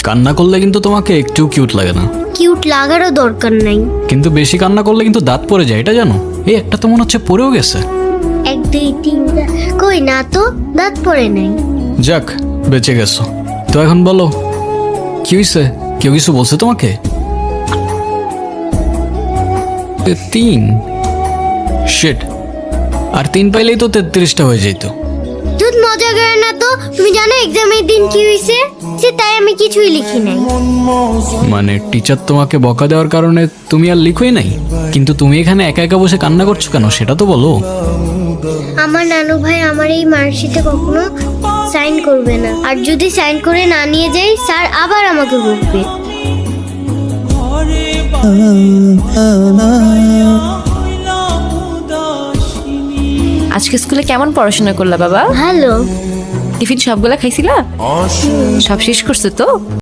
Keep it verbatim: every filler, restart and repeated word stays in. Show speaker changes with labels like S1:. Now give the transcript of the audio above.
S1: কান্না করলে কিন্তু তোমাকে একটু কিউট লাগে না।
S2: কিউট লাগারও দরকার নাই।
S1: কিন্তু বেশি কান্না করলে কিন্তু দাঁত পড়ে যায়, এটা জানো? এই একটা তো মনে হচ্ছে পড়েও গেছে।
S2: এক দুই তিন কই না তো, দাঁত পড়ে নাই।
S1: যাক, বেঁচে গেছো। তো এখন বলো কি হয়েছে? কেউ কিছু বলছে তোমাকে? এ, তিন শিট, আর তিন পাইলেই তো তেত্রিশটা হয়ে যেত।
S2: তুই মজা করে না তো। তুমি জানো এক্সামের দিন কি হয়েছে? সে তাই আমি কিছুই লিখি নাই।
S1: মানে টিচার তোমাকে বকা দেওয়ার কারণে তুমি আর লিখোই নাই? কিন্তু তুমি এখানে একা একা বসে কান্না করছো কেন সেটা তো বলো।
S2: আমার নানু ভাই আমার এই মার্কশিটে কখনো সাইন করবে না, আর যদি সাইন করে না নিয়ে যাই স্যার আবার আমাকে বকবে।
S3: আজকে স্কুলে কেমন পড়াশোনা করলা বাবা?
S2: ভালো।
S3: টিফিন সবগুলা খাইছিলা? সব শেষ করছো তো?